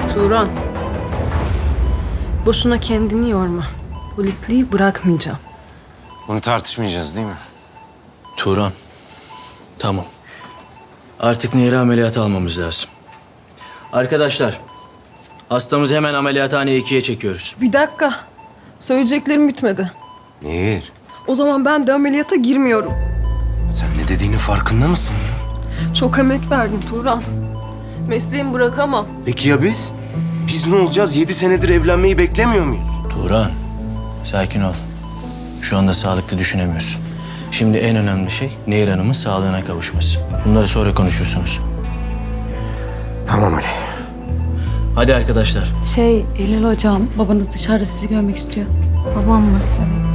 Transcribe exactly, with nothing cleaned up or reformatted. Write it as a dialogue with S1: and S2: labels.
S1: Turan. Boşuna kendini yorma. Polisliği bırakmayacağım.
S2: Bunu tartışmayacağız değil mi?
S3: Turan. Tamam. Artık Nehir'i ameliyata almamız lazım. Arkadaşlar, hastamızı hemen ameliyathaneye ikiye çekiyoruz.
S4: Bir dakika. Söyleyeceklerim bitmedi.
S2: Nehir,
S4: O zaman ben de ameliyata girmiyorum.
S2: sen ne dediğinin farkında mısın?
S4: Çok emek verdim Turan. Mesleğimi bırakamam.
S2: Peki ya biz? Biz ne olacağız? Yedi senedir evlenmeyi beklemiyor muyuz?
S3: Turan, sakin ol. Şu anda sağlıklı düşünemiyorsun. Şimdi en önemli şey Nehir Hanım'ın sağlığına kavuşması. Bunları sonra konuşursunuz.
S2: Tamam Ali.
S3: Hadi arkadaşlar.
S5: Şey, Eylül hocam, babanız dışarıda sizi görmek istiyor. Babam mı? Evet.